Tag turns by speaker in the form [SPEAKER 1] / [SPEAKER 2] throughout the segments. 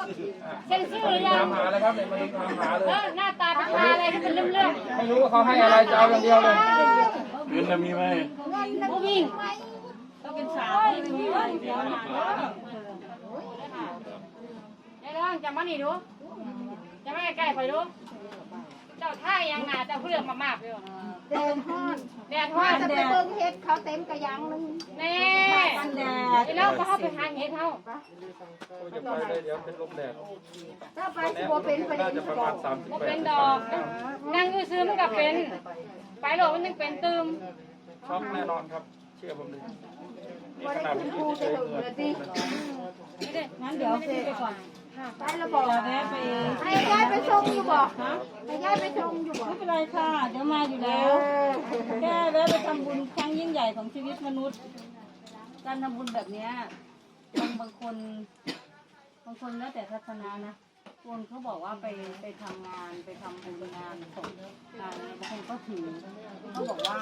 [SPEAKER 1] เซ็นชื่อหรือยัง
[SPEAKER 2] ตามหาเลยครับเนี่ยมาดูตามหาเลย
[SPEAKER 1] หน้าตาเป็นอะไรที่เป็นเรื่อง
[SPEAKER 2] ไม่รู้ว่าเขาให้อะไรจะเอาอย่างเดียวเลย
[SPEAKER 3] เงินน่ะมีไหม
[SPEAKER 1] ผู้หญิง
[SPEAKER 4] ต้องเป็นสาวที่มีเงินเดี๋ยวหา
[SPEAKER 1] เดี๋ยวลองจำมานี่ดูจะไม่ใกล้ๆไปดูเจ้าท่ายังหนาเจ้าเพื่อนมากๆอยู่
[SPEAKER 5] แดดฮ้อน
[SPEAKER 1] แดดฮ้อน
[SPEAKER 5] จะไปเบิ่งเฮ็ดเขาเต็มกระยังนึง
[SPEAKER 1] แน่
[SPEAKER 4] กันแดด
[SPEAKER 1] แล้วก็เข้าไปหาเห็ดเท่า
[SPEAKER 2] จะไปเลยเดี๋ยวเป็นลมแดด
[SPEAKER 5] ถ้าไปสิบ่เป็นประเด็
[SPEAKER 2] น่าน จะประมาณ
[SPEAKER 1] ก็เป็นดอกนั่งซื้อมันก็เป็นไปโหลมันยังเป็นตืม
[SPEAKER 2] 38ช็อกแน่นอนครับ เชื่อผมเลยนี่
[SPEAKER 5] บ่
[SPEAKER 2] ข
[SPEAKER 5] ได้
[SPEAKER 2] นาด
[SPEAKER 5] ขึ้น
[SPEAKER 2] ที่
[SPEAKER 5] ภู
[SPEAKER 2] เฉ
[SPEAKER 5] ไป
[SPEAKER 2] ย
[SPEAKER 5] ถึง
[SPEAKER 2] ๆเงิน
[SPEAKER 5] เลยสิ
[SPEAKER 1] ไม่ได้
[SPEAKER 4] งั้นเดี๋ยวไปก่อน
[SPEAKER 5] ไปแล้วบอก
[SPEAKER 4] แวะไป
[SPEAKER 5] ให้ยายไปส่งอยู่บ่ให้ยายไปส่งอยู่บ่
[SPEAKER 4] ไม่เป็นไรค่ะ เดี๋ยวมาอยู่แล้วแค่แวะไปทำบุญครั้งยิ่งใหญ่ของชีวิตมนุษย์ การทำบุญแบบเนี้ยบางคนแล้วแต่ทัศนะนะคนเขาบอกว่าไปทำงานไปทำบุญงานศพงานอะไรบางคนก็ถือเขาบอกว่า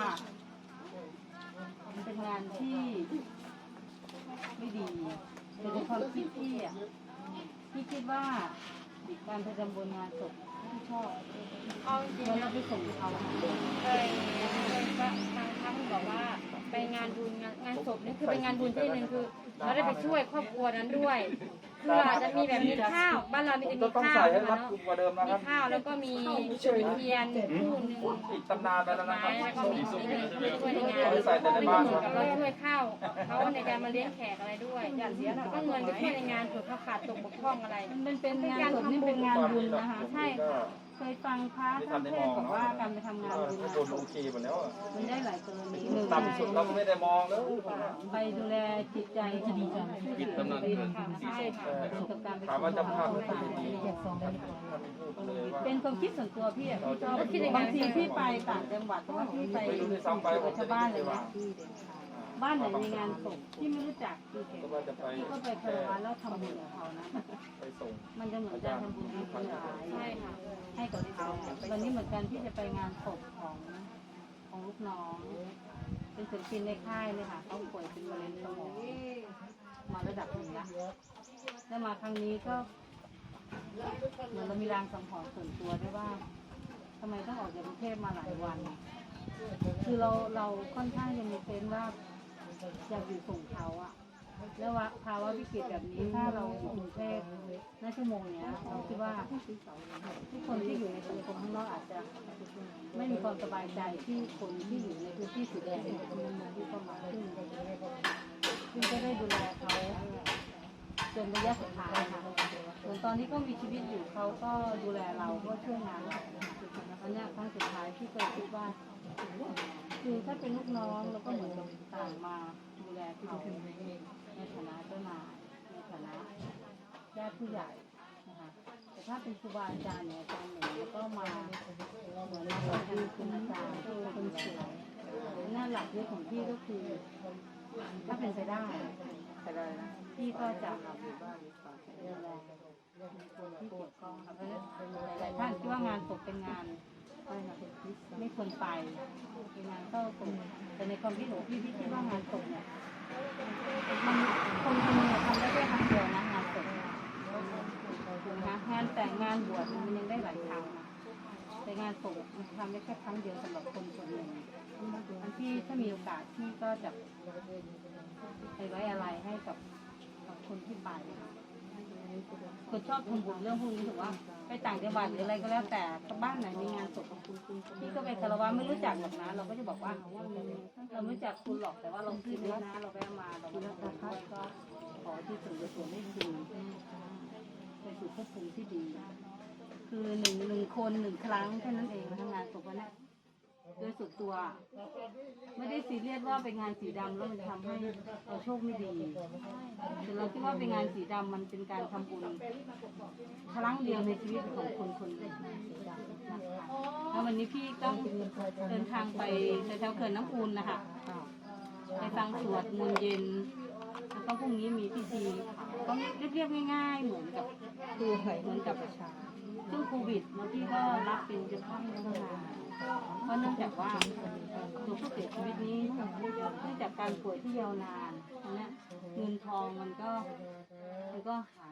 [SPEAKER 4] มันเป็นงานที่ไม่ดีแต่ในความคิดพี่อ่ะพี่คิดว่าการไปทำบุญงานศพที่ชอบ
[SPEAKER 1] เอาจริง
[SPEAKER 4] แล้ว
[SPEAKER 1] ๆ
[SPEAKER 4] เรา
[SPEAKER 1] นะ
[SPEAKER 4] ไปส่งเขา
[SPEAKER 1] เคยก็ทางท่านบอกว่าไปงานบุญงานศพนี่คือเป็นงานบุญที่หนึ่งคือเราได้ไปช่วยครอบครัวนั้นด้วยคืออาจจะมีแบบมีข้าวบ้านเรามีแต่มี
[SPEAKER 2] ต้อง
[SPEAKER 1] ข้า
[SPEAKER 2] ใส่
[SPEAKER 1] ว
[SPEAKER 2] ให้รัด
[SPEAKER 1] เนาะ
[SPEAKER 2] กุมกว่าเดิมนะค
[SPEAKER 1] มี
[SPEAKER 2] รับ
[SPEAKER 1] ข้าวแล้วก็มีจุดเทียนคู่หนึ่ง
[SPEAKER 2] อีกตำนานไปแล้วนะ
[SPEAKER 1] ไม้
[SPEAKER 2] ครับ
[SPEAKER 1] แล้วก็มีสิ่งหนึ่งที่ช่วยในงานไม่เหมือนกับเราช่วยข้าวเขาในการมาเลี้ยงแขกอะไรด้วยก็เงินไปช่วยในงานเผื่อเขาขาดตกบกพร่องอะไร
[SPEAKER 4] มันเป็นงานศพนี่เป็นงานบุญนะคะ
[SPEAKER 1] ใช่ค่ะ
[SPEAKER 4] เคยฟังพระท่านเทศน์บอกว่าการไปทำงานบุญ
[SPEAKER 2] โดนโอเคหมดแล้ว
[SPEAKER 4] มันได้หลายกรณีหนึ่ง
[SPEAKER 2] ต่ำสุดเราก็ไม่ได้มองแล้ว
[SPEAKER 4] ไปดูแลจิตใจที่ดีจัง
[SPEAKER 3] ปิดตำนานเงิน
[SPEAKER 4] ใช่ค่ะกับการไป
[SPEAKER 2] ถามว่าจะพาไป
[SPEAKER 4] ทำ
[SPEAKER 2] ที่
[SPEAKER 4] งาน
[SPEAKER 2] ดีเลยว่า
[SPEAKER 4] เป็นความคิดส่วนตัวพี่อะพี่ชอบบางทีพี่ไปต่างจังหวัดหรือว่าพี่ไปอยู่กับชาวบ้านเลยนะบ้านไหนมีงานศพที่ไม่รู้จักพี่
[SPEAKER 2] ก็ว่าจะไป
[SPEAKER 4] ก็ไปคารวะแล้วทำบุญกับเขานะ
[SPEAKER 2] ไปส่ง
[SPEAKER 4] มันจะเหมือนการทำบุญให้คนหลาย
[SPEAKER 1] ใช่ค่ะ
[SPEAKER 4] ให้กับเขาวันนี้เหมือนกันที่จะไปงานศพของลูกน้อง เป็นศิลปินในค่ายเลยค่ะเขาป่วยเป็นมะเร็งสมองมาระดับหนึ่งละแล้วมาครั้งนี้ก็เหมือนเรามีรางสังหรณ์ส่วนตัวด้วยว่าทำไมต้องออกจากกรุงเทพมาหลายวัน คือเราค่อนข้างจะมีเซนส์ว่าอยากอยู่ส่งเขาอะแล้วว่าภาวะวิกฤตแบบนี้ถ้าเราอยู่กรุงเทพในชั่วโมงเนี้ยเราคิดว่าทุกคนที่อยู่ในสังคมข้างนอกอาจจะไม่มีความสบายใจที่คนที่อยู่ในพื้นที่สีแดงที่เข้ามาซึ่งก็ได้ดูแลเขาจนระยะสุดท้ายค่ะส่วนตอนนี้ก็มีชีวิตอยู่เขาก็ดูแลเราก็ช่วยงานเราอันนี้ครั้งสุดท้ายที่เคยคิดว่าคือถ้าเป็นลูกน้องเราก็เหมือนกับต่างมาดูแลเขาในฐานะเจ้านายในฐานะญาติผู้ใหญ่นะคะแต่ถ้าเป็นครูบาอาจารย์เนี่ยอาจารย์หนึ่งแล้วก็มาเหมือนมาเป็นคุณอาจารย์คนสวยหน้าหลักเรื่องของพี่ก็คือถ้าเป็นไปได้พี่ก็จะดูแลคนที่เกี่ยวข้องค่ะเพราะหลายท่านคิดว่างานศพเป็นงานไม่ควรไปเป็นงานเข้าศพแต่ในความคิดของพี่คิดว่างานศพเนี่ยมันคนคนหนึ่งทำได้แค่ครั้งเดียวนะงานศพถูกไหมคะงานแต่งงานบวชมันยังได้หลายครั้งนะแต่งานศพมันทำได้แค่ครั้งเดียวสำหรับคนคนหนึ่งอันที่ถ้ามีโอกาสพี่ก็จะไปไว้อะไรให้กับคนที่ไปคนชอบทำบุญเรื่องพวกนี้ถือว่าไปต่างจังหวัดหรืออะไรก็แล้วแต่บ้านไหนมีงานศพของคุณพี่ก็ไปคารวะไม่รู้จักหรอกนะเราก็จะบอกว่าเราไม่รู้จักคุณหรอกแต่ว่าเราคิดนะเราแวะมาเราก็ขอที่ส่วนให้คุณไปสู่ภพภูมิที่ดีคือหนึ่งคนหนึ่งครั้งแค่นั้นเองทำงานศพวันนี้โดยส่วนตัวไม่ได้ซีเรียสว่าเป็นงานสีดำแล้วมันจะทำให้เราโชคไม่ดีแต่เราคิดว่าเป็นงานสีดำมันเป็นการทำบุญครั้งเดียวในชีวิตของคนคนหนึ่งแล้ววันนี้พี่ต้องเดินทางไปแถวเขื่อนน้ำอูนนะคะไปฟังสวดมนต์เย็นแล้วก็พรุ่งนี้มีพิธีต้องเรียบๆง่ายๆเหมือนกับประชาซึ่งโควิดพี่ก็รับเป็นเจ้าภาพในงานเพราะเนื่องจากว่าตัวผู้เสียชีวิตนี้เนื่องจากการป่วยที่ยาวนานนะเงินทองมันก็หาย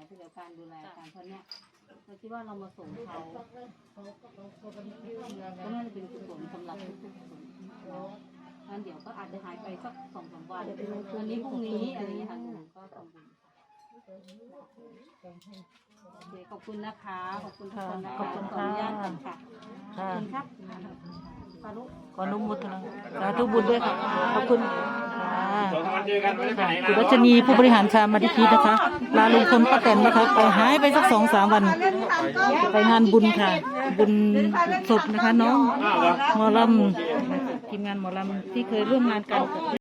[SPEAKER 4] ที่เดียวกันดูแลกันเพราะเนี้ยเราคิดว่าเรามาส่งเขาก็น่าจะเป็นกุศลสำหรับทุกๆคนงั้นเดี๋ยวก็อาจจะหายไปสัก2-3 วันวันนี้พรุ่งนี้อะไรอย่างเงี้ยค่ะก็ทำบุญโอเคขอบคุณนะคะขอบคุณทุกคนนะคะขออนุญาตก่อนค่ะขอบคุณครับสาธุ
[SPEAKER 6] ขออนุโมทนาสาธุบุญด้วยค่ะขอบคุณค่ะ
[SPEAKER 3] 2 วันเจอกันไม่ได้ไปไหน
[SPEAKER 6] คุณ
[SPEAKER 3] นะ
[SPEAKER 6] รัชนีผู้บริหารชามาดิพีนะคะลาลุงพลป้าแตนนะคะไปหายไปสัก2-3 วันไปงานบุญค่ะ บุญศพนะคะน้องหมอลำทีมงานหมอลำที่เคยร่วมงานกัน